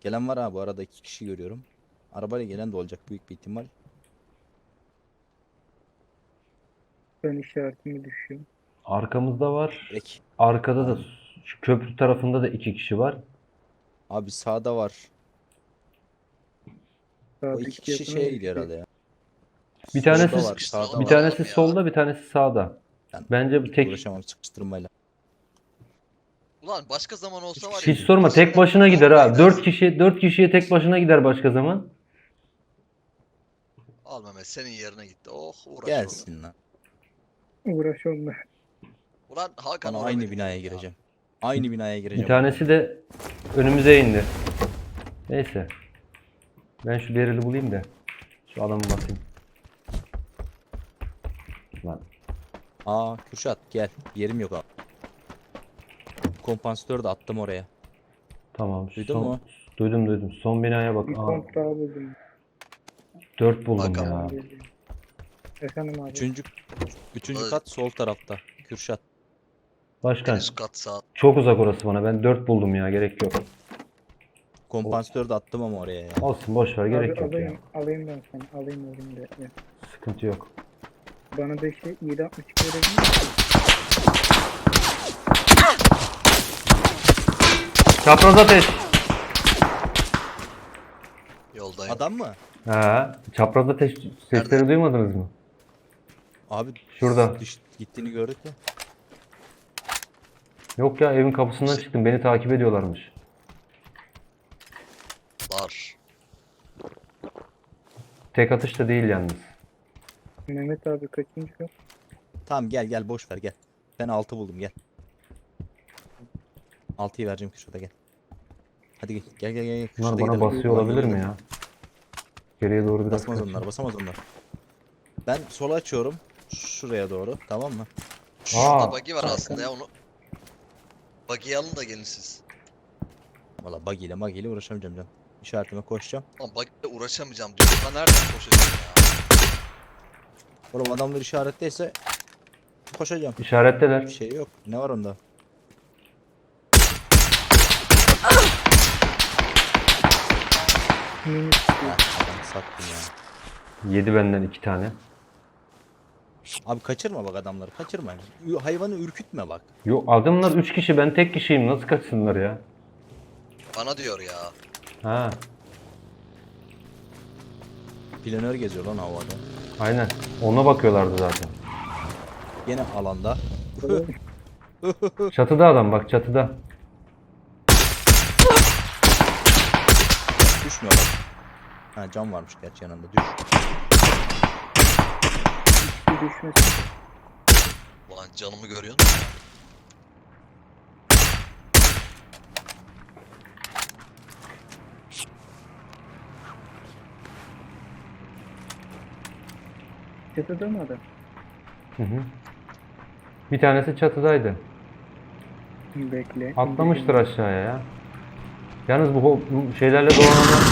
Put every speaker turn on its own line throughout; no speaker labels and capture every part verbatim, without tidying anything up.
Gelen var ha, bu arada iki kişi görüyorum. Arabayla gelen de olacak büyük bir ihtimal.
Ben işaretimi düşüyorum.
Arkamızda var.
Direkt.
Arkada da
Aynen.
şu köprü tarafında da iki kişi var.
Abi sağda var. O iki
Sağdaki
kişi
yakına
şeye
mı
gidiyor
düşüyor?
herhalde ya.
Bir
Solda
tanesi
var,
Sıkıştıralım
sağda
bir
var.
tanesi
ya.
solda, bir tanesi sağda.
Ben
Bence bir tek
uğraşamam sıkıştırmayla.
Ulan başka zaman olsa var ya.
hiç sorma, tek
peşinden
başına gider
korkmaya
ha. Dört
gidersin.
kişi dört kişiye tek başına gider başka zaman.
Al Mehmet senin yerine gitti. Oh uğraş orada.
Gelsin lan.
Uğraş onunla.
Ulan Hakan
Bana
orada
aynı
benim
binaya
yerim ya.
gireceğim. Aynı binaya
Bir
gireceğim.
tanesi de önümüze indi. Neyse. Ben şu derili bulayım da şu adamı basayım. Lan
Aa Kürşat gel. Yerim yok abi. Kompansatörü de attım oraya.
tamam.
Duydun
son,
mu?
Duydum duydum. Son binaya bak.
Bir
Aa,
komp daha buldum.
dört buldum
Bakalım.
ya.
Efendim abi.
Üçüncü, üçüncü
Evet.
kat sol tarafta. Kürşat.
Başkan
En üst kat sağ.
çok uzak orası bana. Ben dört buldum ya. Gerek yok.
Kompansatörü de attım ama oraya ya.
Olsun boş ver. Gerek
Abi
yok ya.
alayım, alayım ben seni. Alayım alayım da. Ya.
Sıkıntı yok.
Bana da şey yedi altmış iki verebilir misin?
Çapraz ateş.
Yoldayım.
Adam mı?
Ha, çapraz ateş sesleri
Nerede?
duymadınız mı?
Abi
Şurada.
düş, gittiğini gördük ya.
Yok ya, evin kapısından çıktım. Beni takip ediyorlarmış.
Var.
Tek atış da değil yalnız.
Mehmet abi kaçıncı kat?
Tamam gel gel boş ver gel. Ben altı buldum gel. altıyı vereceğim Kürşat'a gel. Hadi gel gel gel. gel.
Bunlar
Kürşat'a
bana
gidelim.
basıyor
Ulan
olabilir mi
gidelim.
ya? Geriye doğru biraz
Basmaz
kaçayım.
onlar basamaz onlar. Ben sola açıyorum. Şuraya doğru tamam mı?
Şurada
Aa.
buggy var aslında ya onu. Buggy'yi alın da gelin siz.
Valla bug ile mag ile uğraşamayacağım canım. İşaretime koşacağım.
Lan buggy'le uğraşamayacağım diyorum. Ben nereden koşacağım ya?
Oğlum adamlar işaretteyse koşacağım.
İşaretteler.
Bir şey yok. Ne var onda?
Minik
Ha, adamı sattım ya.
Yedi benden iki tane.
Abi kaçırma bak adamları kaçırma. Ü- Hayvanı ürkütme bak.
Yok, adamlar üç kişi, ben tek kişiyim. Nasıl kaçsınlar ya?
Bana diyor ya.
Ha,
Planör geziyor lan havada.
aynen. Ona bakıyorlardı zaten.
Gene alanda.
Çatıda adam bak, çatıda.
Düşmüyor bak. Ha cam varmış gerçi yanında düş.
bir düşmesin.
Ulan canımı görüyor musun?
Çatıda mı adam?
Hı hı. Bir tanesi çatıdaydı.
Bekle.
Atlamıştır aşağıya ya. Yalnız bu, bu şeylerle dolananlar...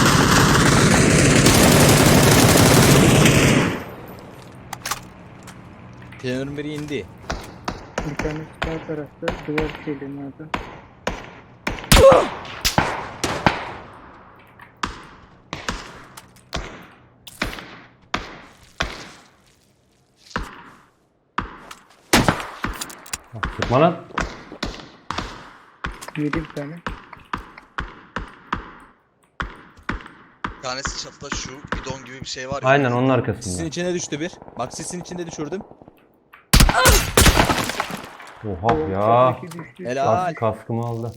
Planörün biri indi.
Bir tane sağ tarafta duvar şeylerin orada.
Sıkma lan.
Yedi bir tane.
Bir tanesi çatıda şu bidon gibi bir şey var ya.
Aynen onun
Sisin
arkasında.
içine düştü bir. Bak sisin içinde düşürdüm.
Oha ya.
Çatıdaki düştü.
Helal.
Kas, kaskımı aldı.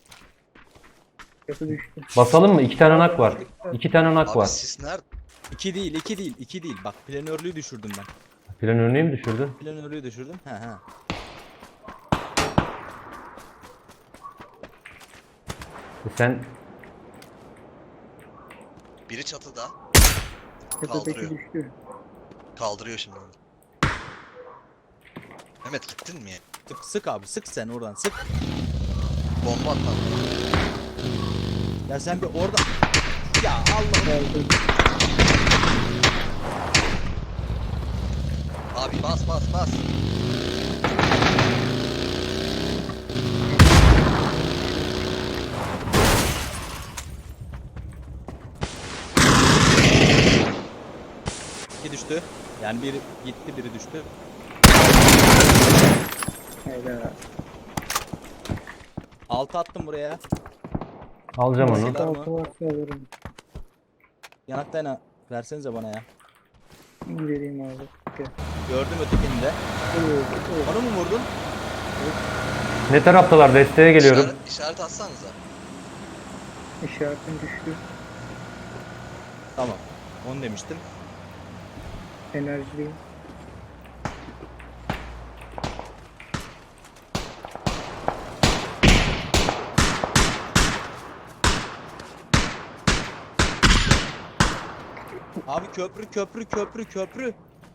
Çatı düştü.
Basalım mı? İki tane nak var. İki tane nak
Abi
var.
siz nerede?
İki değil iki değil iki değil. Bak planörlüğü düşürdüm ben.
Plan örneği mi düşürdün?
Planörlüğü düşürdüm. He he.
E Sen
Biri çatıda.
Çatıdaki
Kaldırıyor.
düştü.
Kaldırıyor şimdi onu. Mehmet gittin mi?
Sık, sık abi sık sen oradan sık.
Bomba at lan.
Ya sen bir orada. Ya Allah'ım.
Geldi.
Abi bas bas bas.
düştü. Yani biri gitti, biri düştü.
Hayda.
Altı attım buraya.
Alacağım onu.
Silah- mı?
Altı varsa alırım.
Yanaktayına versenize bana ya.
Vereyim abi. Gel.
Gördüm ötekini de.
Oo, oo.
Onu mu vurdun?
Ne taraftalar? Desteğe geliyorum.
İşaret, işaret atsanıza.
İşaretin düştü.
Tamam. Onu demiştim.
Enerjiliyim.
Abi köprü köprü köprü köprü.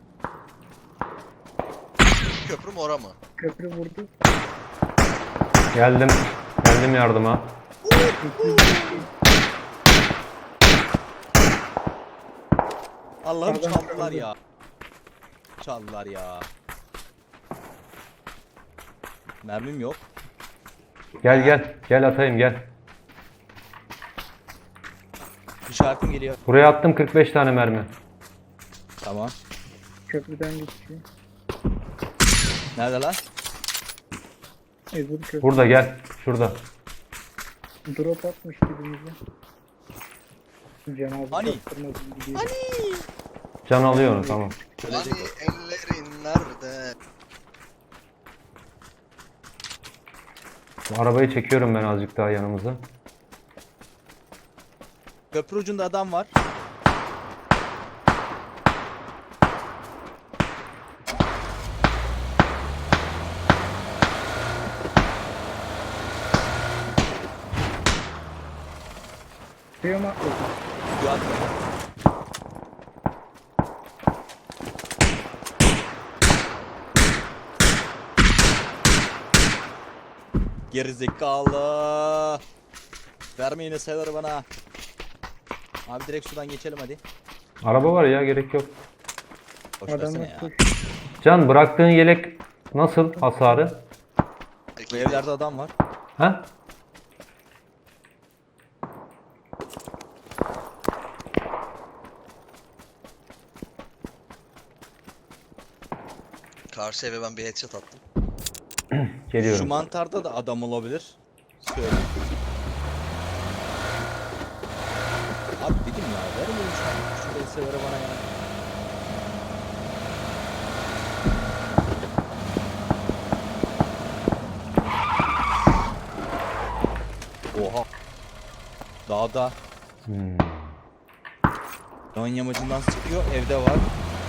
Köprü mü ora mı?
Köprü vurdu.
Geldim. Geldim yardıma.
Allah'ım
Adam
çaldılar
çaldı.
ya. Çaldılar ya. Mermim yok.
Gel gel. Gel atayım gel.
İşaretim geliyor.
Buraya attım kırk beş tane mermi.
Tamam.
Köprüden geçiyor.
Nerede lan?
Öbür köprü.
Burada gel. Şurada.
Drop atmış dibimize. Cenab-ı
Hani?
Kaptırmadı gidiyor.
Can alıyor onu tamam.
Ölecek
Hani ellerin nerede?
Bu arabayı çekiyorum ben azıcık daha yanımıza.
Köprü ucunda adam var.
Suya mı atladın?
Suya atma. Gerizekalı. Vermeyin sayıları bana. Abi direkt sudan geçelim hadi.
Araba var ya gerek yok.
Boş versene
Adamlar
ya.
koş.
Can bıraktığın yelek nasıl hasarı?
Bu evlerde adam var.
Ha?
Karşı eve ben bir headshot attım.
Geliyorum.
Şu mantarda da adam olabilir. Söyle. Abi dedim ya vermeyin şu an. Şurada sayıları bana ya. Oha. Dağda.
Hmm.
Dağın yamacından sıkıyor. Evde var.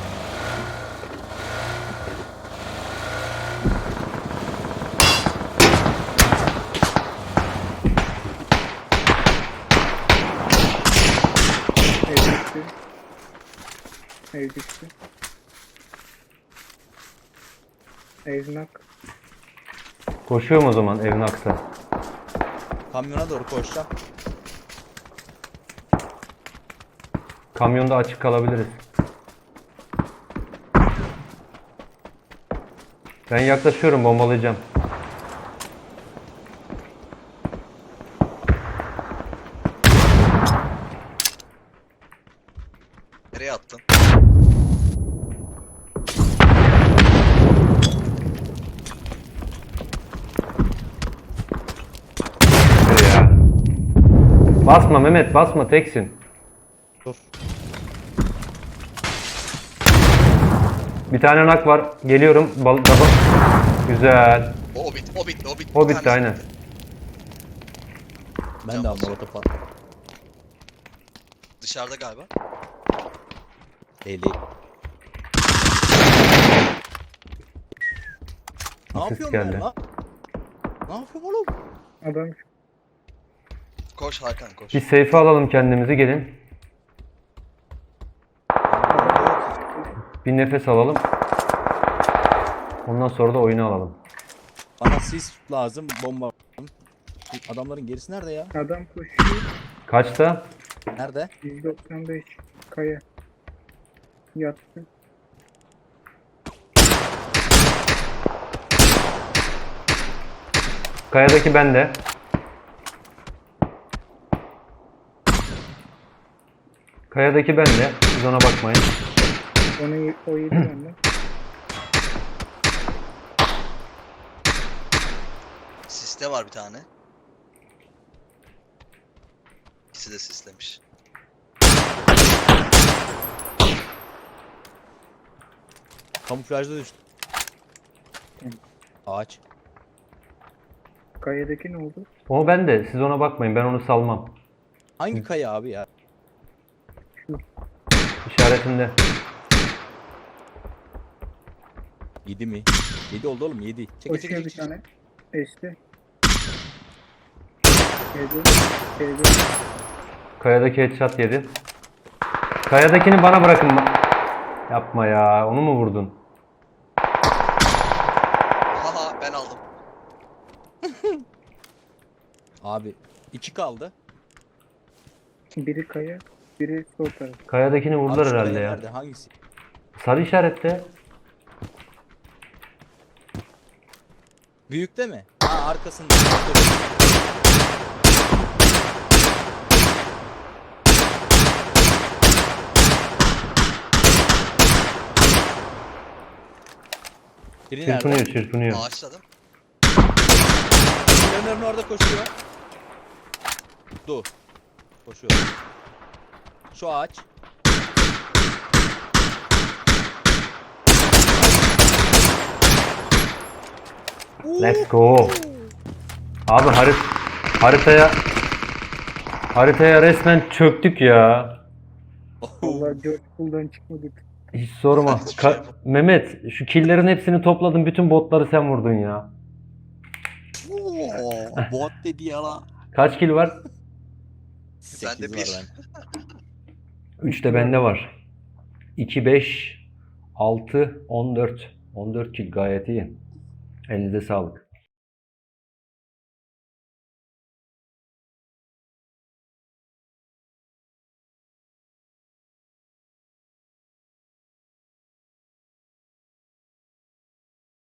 Ev düştü. Ev düştü. Ev nak.
Koşuyorum o zaman evin aksa.
Kamyona doğru koşacağım.
Kamyonda açık kalabiliriz. Ben yaklaşıyorum bombalayacağım.
Nereye attın?
Hadi ya. Basma Mehmet basma teksin.
Dur.
Bir tane nak var. Geliyorum. Bal baba. Güzel.
O, o bitti, o bitti, o bitti.
O
Bir
bitti
tanesi
aynen.
Ben de
Can
molotof attım.
Dışarıda galiba.
Değil değil. Ne
Asist
yapıyorsun
geldi.
ben lan? Ne yapıyorsun oğlum?
Adam
Koş Hakan koş.
Bir seyfe alalım kendimizi gelin. Bir nefes alalım. Ondan sonra da oyunu alalım.
Bana sis lazım, bomba lazım. Adamların gerisi nerede ya?
adam koşuyor.
Kaçta?
Nerede?
yüz doksan beş kaya. Yattı.
Kayadaki bende. Kayadaki bende. Siz ona bakmayın.
Onu y- o yedi benden.
Siste var bir tane. İkisi de sislemiş.
Kamuflajda düştü. Ağaç.
Kayadaki ne oldu?
O ben de. Siz ona bakmayın. Ben onu salmam.
Hangi kaya abi ya?
İşaretinde.
Yedi mi? Yedi oldu oğlum yedi. Çekil çekil
Koşuyor bir
çekil.
tane. Esti. Yedi. Yedi.
Kayadaki headshot yedi. Kayadakini bana bırakın. Yapma ya. Onu mu vurdun?
Haha ben aldım.
Abi iki kaldı.
Biri kaya, biri sol taraf.
Kayadakini
Abi
vurdular
şu kaya
herhalde ya.
nerede? Hangisi?
Sarı işarette.
Büyükte mi? Ha arkasında. Biri
Çırpınıyor
nerede?
çırpınıyor.
Ağaçladım.
Ömer'in orada koşuyor. Dur. Koşuyor. Şu ağaç.
Let's go. Abi harit haritaya haritaya resmen çöktük ya.
Allah George Pool'dan çıkmadık.
Hiç sorma.
Hiçbir şey
Ka- Mehmet şu killerin hepsini topladın. Bütün botları sen vurdun ya.
Oo, bot dedi ya la.
Kaç kill var?
sekiz
Bende
var
bir.
üç de bende var. iki, beş, altı, on dört. on dört kill gayet iyi. Elinize sağlık.